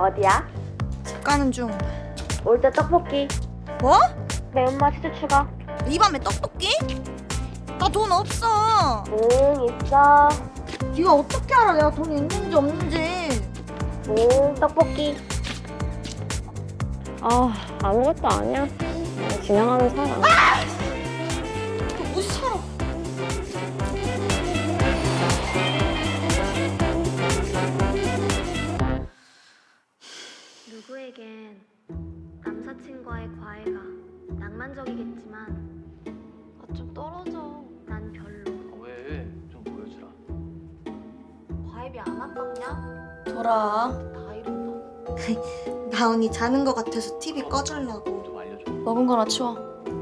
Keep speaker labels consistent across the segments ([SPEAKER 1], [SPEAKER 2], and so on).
[SPEAKER 1] 어디야?
[SPEAKER 2] 집 가는 중.
[SPEAKER 1] 올 때 떡볶이.
[SPEAKER 2] 뭐?
[SPEAKER 1] 매운맛 치즈 추가.
[SPEAKER 2] 이 밤에 떡볶이? 나 돈 없어.
[SPEAKER 1] 응, 있어.
[SPEAKER 2] 네가 어떻게 알아 내가 돈이 있는지 없는지.
[SPEAKER 1] 응, 떡볶이. 아무것도 아니야. 그냥 지나가는 사람.
[SPEAKER 2] 너 무시 살아.
[SPEAKER 3] 누구에겐 남사친과의 과외가 낭만적이겠지만 좀 떨어져. 난 별로.
[SPEAKER 4] 왜? 좀 보여주라.
[SPEAKER 3] 과외비 안 아깝냐?
[SPEAKER 2] 돌아.
[SPEAKER 3] 다 이런다.
[SPEAKER 2] 나은이 자는 거 같아서 TV 꺼주려고.
[SPEAKER 4] 좀 알려줘.
[SPEAKER 5] 먹은 거나 치워.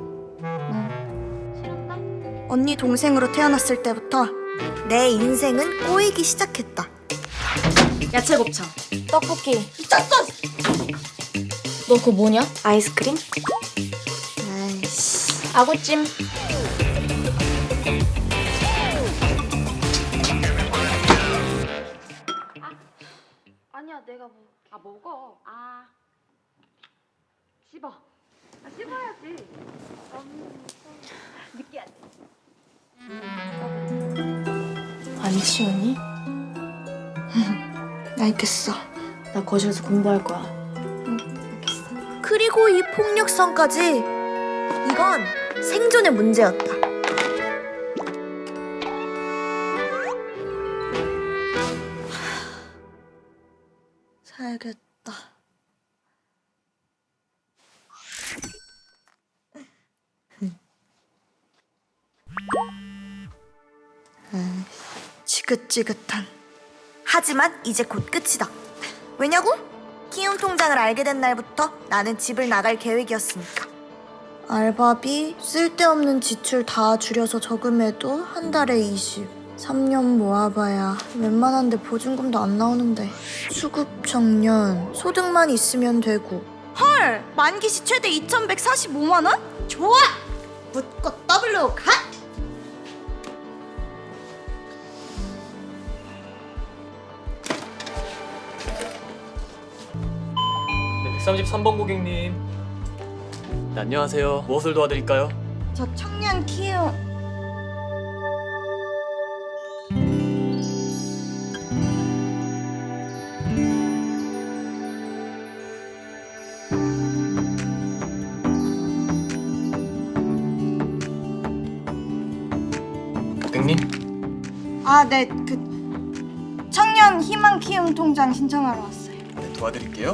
[SPEAKER 3] 싫은다?
[SPEAKER 2] 언니 동생으로 태어났을 때부터 내 인생은 꼬이기 시작했다.
[SPEAKER 5] 야채 곱창.
[SPEAKER 3] 떡볶이.
[SPEAKER 5] 너 그거 뭐냐?
[SPEAKER 3] 아이스크림?
[SPEAKER 2] 아이씨.
[SPEAKER 5] 아구찜.
[SPEAKER 3] 아니야, 내가 뭐. 먹어. 씹어. 씹어야지. 느끼하지.
[SPEAKER 5] 안 치우니?
[SPEAKER 2] 알겠어.
[SPEAKER 5] 나 거실에서 공부할 거야.
[SPEAKER 2] 그리고 이 폭력성까지. 이건 생존의 문제였다. 살겠다. 지긋지긋한. 하지만 이제 곧 끝이다. 왜냐고? 키움 통장을 알게 된 날부터 나는 집을 나갈 계획이었으니까. 알바비, 쓸데없는 지출 다 줄여서 저금해도 한 달에 20. 3년 모아봐야 웬만한데 보증금도 안 나오는데. 수급 청년, 소득만 있으면 되고. 헐! 만기시 최대 2,145만 원? 좋아! 묻고 W 가!
[SPEAKER 4] 네, 133번 고객님. 네, 안녕하세요. 무엇을 도와드릴까요?
[SPEAKER 2] 저 청년 키움.
[SPEAKER 4] 고객님?
[SPEAKER 2] 아, 네, 청년 희망 키움 통장 신청하러 왔어요.
[SPEAKER 4] 네, 도와드릴게요.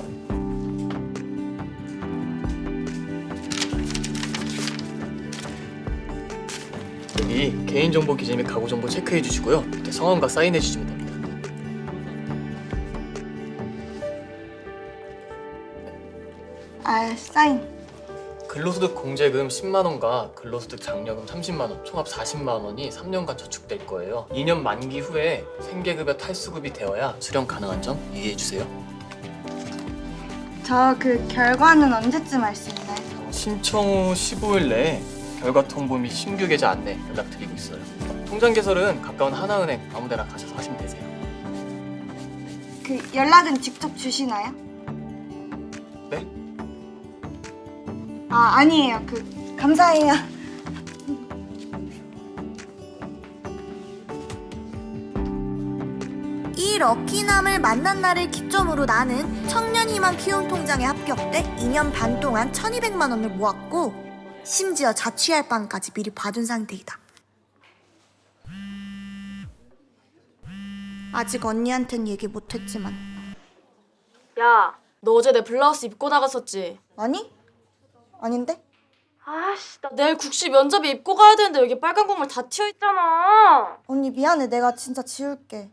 [SPEAKER 4] 여기 개인정보 기재 및 가구정보 체크해 주시고요. 네, 성함과 사인해 주시면 됩니다.
[SPEAKER 2] 아, 사인.
[SPEAKER 4] 근로소득 공제금 10만 원과 근로소득 장려금 30만 원, 총합 40만 원이 3년간 저축될 거예요. 2년 만기 후에 생계급여 탈수급이 되어야 수령 가능한 점 이해해 주세요.
[SPEAKER 2] 저 결과는 언제쯤 알 수 있나요?
[SPEAKER 4] 신청 후 15일 내에 결과 통보 및 신규 계좌 안내 연락드리고 있어요. 통장 개설은 가까운 하나은행 아무데나 가셔서 하시면 되세요.
[SPEAKER 2] 연락은 직접 주시나요?
[SPEAKER 4] 네?
[SPEAKER 2] 아, 아니에요. 감사해요. 이 럭키남을 만난 날을 기점으로 나는 청년희망 키움 통장에 합격돼 2년 반 동안 1,200만 원을 모았고 심지어 자취할 방까지 미리 봐둔 상태이다. 아직 언니한텐 얘기 못했지만.
[SPEAKER 5] 야, 너 어제 내 블라우스 입고 나갔었지?
[SPEAKER 2] 아니? 아닌데?
[SPEAKER 5] 아씨, 나 내일 국시 면접에 입고 가야 되는데 여기 빨간 국물 다 튀어 있잖아.
[SPEAKER 2] 언니 미안해. 내가 진짜 지울게.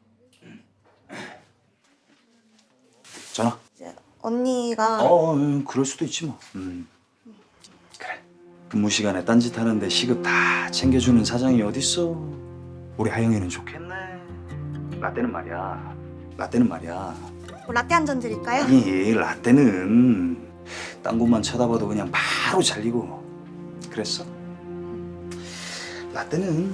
[SPEAKER 6] 전화.
[SPEAKER 2] 이제 언니가
[SPEAKER 6] 그럴 수도 있지 뭐. 그래. 근무 시간에 딴짓 하는데 시급 다 챙겨주는 사장이 어딨어. 우리 하영이는 좋겠네. 라떼는 말이야.
[SPEAKER 2] 뭐 라떼 한 잔 드릴까요?
[SPEAKER 6] 아니, 라떼는 딴 곳만 쳐다봐도 그냥 바로 잘리고. 그랬어? 라떼는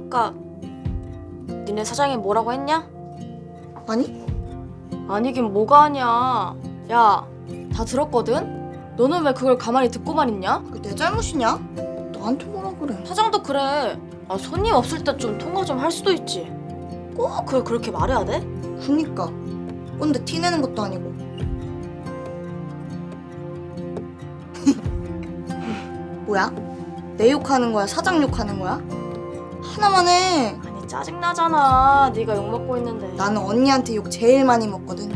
[SPEAKER 5] 아까 니네 사장이 뭐라고 했냐?
[SPEAKER 2] 아니?
[SPEAKER 5] 아니긴 뭐가 아니야. 야, 다 들었거든? 너는 왜 그걸 가만히 듣고만 있냐?
[SPEAKER 2] 그게 내 잘못이냐? 너한테 뭐라 그래?
[SPEAKER 5] 사장도 그래. 아, 손님 없을 때 좀 통화 좀 할 수도 있지. 꼭 그걸 그렇게 말해야 돼?
[SPEAKER 2] 그니까 꼰대 티내는 것도 아니고. 뭐야? 내 욕하는 거야? 사장 욕하는 거야? 하나만 해.
[SPEAKER 5] 아니 짜증나잖아. 네가 욕먹고 있는데.
[SPEAKER 2] 나는 언니한테 욕 제일 많이 먹거든.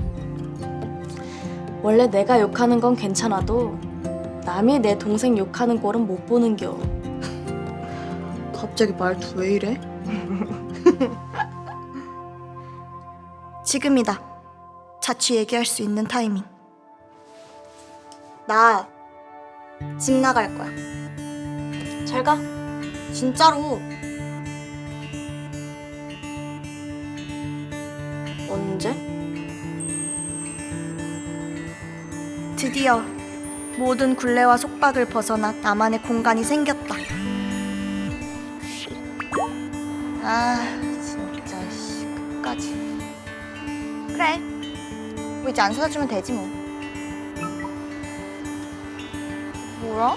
[SPEAKER 5] 원래 내가 욕하는 건 괜찮아도 남이 내 동생 욕하는 꼴은 못 보는겨.
[SPEAKER 2] 갑자기 말투 왜 이래? 지금이다. 자취 얘기할 수 있는 타이밍. 나 집 나갈 거야.
[SPEAKER 5] 잘 가.
[SPEAKER 2] 진짜로.
[SPEAKER 5] 언제?
[SPEAKER 2] 드디어 모든 굴레와 속박을 벗어나 나만의 공간이 생겼다. 아 진짜 씨 끝까지. 그래. 뭐 이제 안 사주면 되지 뭐. 뭐야?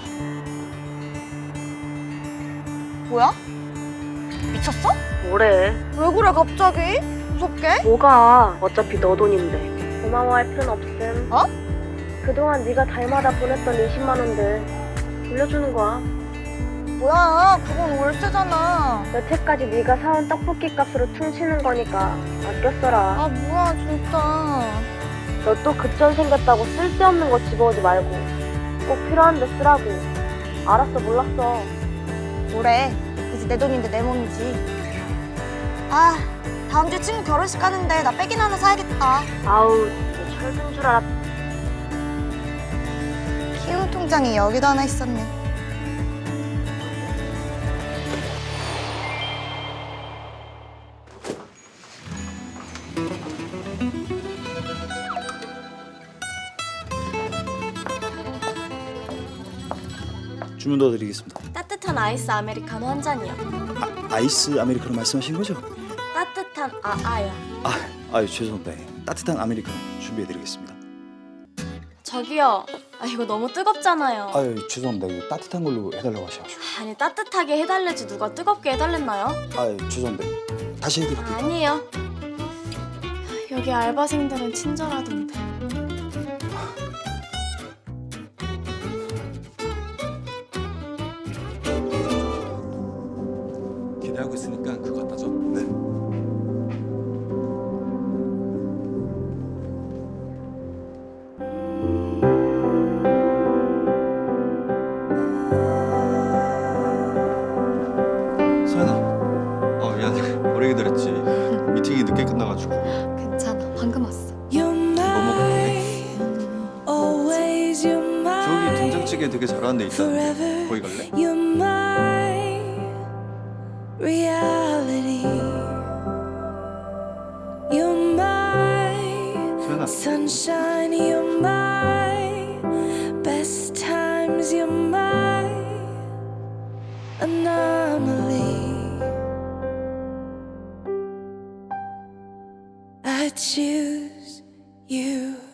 [SPEAKER 2] 뭐야? 미쳤어?
[SPEAKER 1] 뭐래?
[SPEAKER 2] 왜 그래 갑자기? 무섭게?
[SPEAKER 1] 뭐가? 어차피 너 돈인데. 고마워할 필요는 없음.
[SPEAKER 2] 어?
[SPEAKER 1] 그동안 네가 달마다 보냈던 20만 원들 돌려주는 거야.
[SPEAKER 2] 뭐야 그건 월세잖아.
[SPEAKER 1] 여태까지 네가 사온 떡볶이 값으로 퉁치는 거니까 아껴 써라.
[SPEAKER 2] 아 뭐야 진짜.
[SPEAKER 1] 너 또 급전 생겼다고 쓸데없는 거 집어오지 말고 꼭 필요한 데 쓰라고. 알았어, 몰랐어.
[SPEAKER 2] 뭐래? 이제 내 돈인데 내 몸이지. 아 다음 주에 친구 결혼식 가는데 나 백인 하나 사야겠다.
[SPEAKER 1] 아우, 너 철든 줄 알았.
[SPEAKER 2] 키움 통장이 여기도 하나 있었네.
[SPEAKER 6] 주문 더 드리겠습니다.
[SPEAKER 5] 따뜻한 아이스 아메리카노 한 잔이요.
[SPEAKER 6] 아이스 아메리카노 말씀하신 거죠?
[SPEAKER 5] 따뜻한 아아요.
[SPEAKER 6] 아유 죄송합니다. 따뜻한 아메리카노 준비해드리겠습니다.
[SPEAKER 5] 저기요. 아 이거 너무 뜨겁잖아요.
[SPEAKER 6] 아유 죄송합니다. 이거 따뜻한 걸로 해달라고 하셔가지고.
[SPEAKER 5] 아니 따뜻하게 해달래지 누가 뜨겁게 해달랬나요?
[SPEAKER 6] 아유 죄송합니다. 다시 해드릴게요.
[SPEAKER 5] 아니에요. 여기 알바생들은 친절하던데.
[SPEAKER 7] 기대하고 있으니까 그거 갖다 줘.
[SPEAKER 6] 네.
[SPEAKER 7] 소연아. 미안해. 오래 기다렸지. 미팅이 늦게 끝나가지고.
[SPEAKER 2] 괜찮아 방금 왔어.
[SPEAKER 7] 뭐 먹을 건데? 저기 된장찌개 되게 잘하는 데 있다는데. 거기 갈래?
[SPEAKER 8] You're my reality. You're my
[SPEAKER 7] 소연아.
[SPEAKER 8] sunshine. You're my best times. You're my anomaly. I choose you.